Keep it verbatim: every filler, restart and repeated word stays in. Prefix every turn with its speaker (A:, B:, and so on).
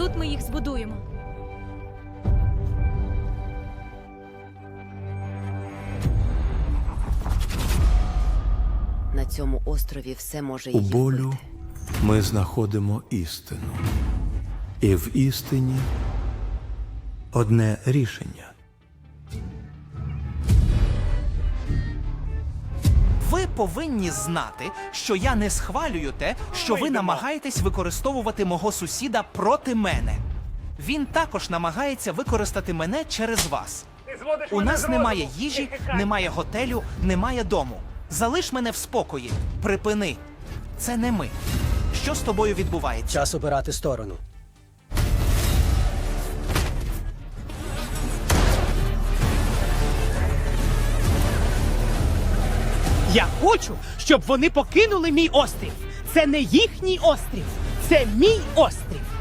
A: Тут ми їх збудуємо.
B: На цьому острові все може
C: У
B: її
C: болю
B: вбити.
C: ми знаходимо істину. І в істині одне рішення.
D: Ви повинні знати, що я не схвалюю те, що ви намагаєтесь використовувати мого сусіда проти мене. Він також намагається використати мене через вас. У нас немає їжі, немає готелю, немає дому. Залиш мене в спокої. Припини. Це не ми. Що з тобою відбувається?
E: Час обирати сторону.
F: Я хочу, щоб вони покинули мій острів. Це не їхній острів, це мій острів.